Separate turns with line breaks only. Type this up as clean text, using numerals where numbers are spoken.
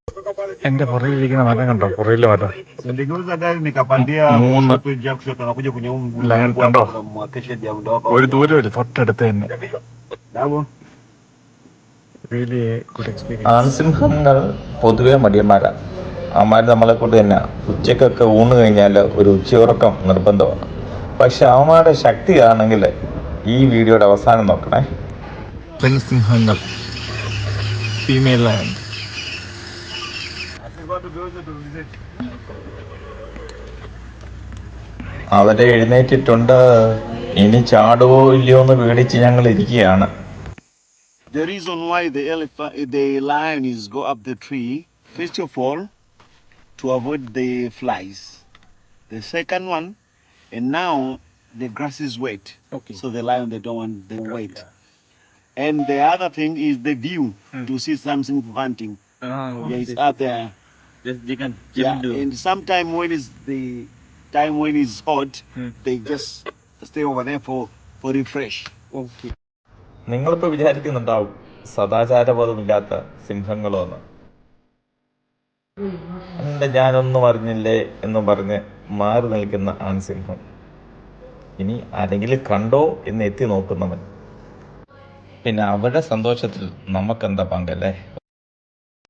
എന്റെ പുറകിലിരിക്കുന്ന മരം കണ്ടോ? പുറകിലെ മരം മൂന്ന് ലയൺ കണ്ടോ? ഒരു ദൂരമില്ല, തൊട്ടടുത്ത് തന്നെ. Really a good experience.
ആൺസിംഹങ്ങൾ പൊതുവെ മടിയന്മാരാണ്. അവന്മാർ നമ്മളെ കൊണ്ട് തന്നെ ഉച്ചക്കൊക്കെ ഊണ് കഴിഞ്ഞാൽ ഒരു ഉച്ചയുറക്കം നിർബന്ധമാണ്. പക്ഷെ അവന്മാരുടെ ശക്തിയാണെങ്കിൽ ഈ വീഡിയോയുടെ അവസാനം നോക്കണേ.
പെൺസിംഹങ്ങൾ, ഫീമെയിൽ ലയൺ.
അവരെ എഴുന്നേറ്റിട്ടുണ്ട്. ഇനി ചാടുവോ ഇല്ലയോ എന്ന് പേടിച്ച് ഞങ്ങൾ ഇരിക്കുകയാണ്.
The reason why the lion is go up the tree, first of all, to avoid the flies. The second one, and now the grass is wet,
Okay.
so the lion they don't want the wet. And the other thing is the view to see something hunting. Yeah, it's up there.
You can
Yeah, and sometime when is the time when it's hot, they just stay over there for refresh.
Okay.
നിങ്ങളിപ്പോൾ വിചാരിക്കുന്നുണ്ടാവും സദാചാരബോധമില്ലാത്ത സിംഹങ്ങളോ എന്ന്. എൻ്റെ ഞാനൊന്നും അറിഞ്ഞില്ലേ എന്നും പറഞ്ഞ് മാറി നിൽക്കുന്ന ആൺസിംഹം. ഇനി ആരെങ്കിലും കണ്ടോ എന്ന് എത്തി നോക്കുന്നവൻ. പിന്നെ അവരുടെ സന്തോഷത്തിൽ നമുക്കെന്താ പങ്കല്ലേ?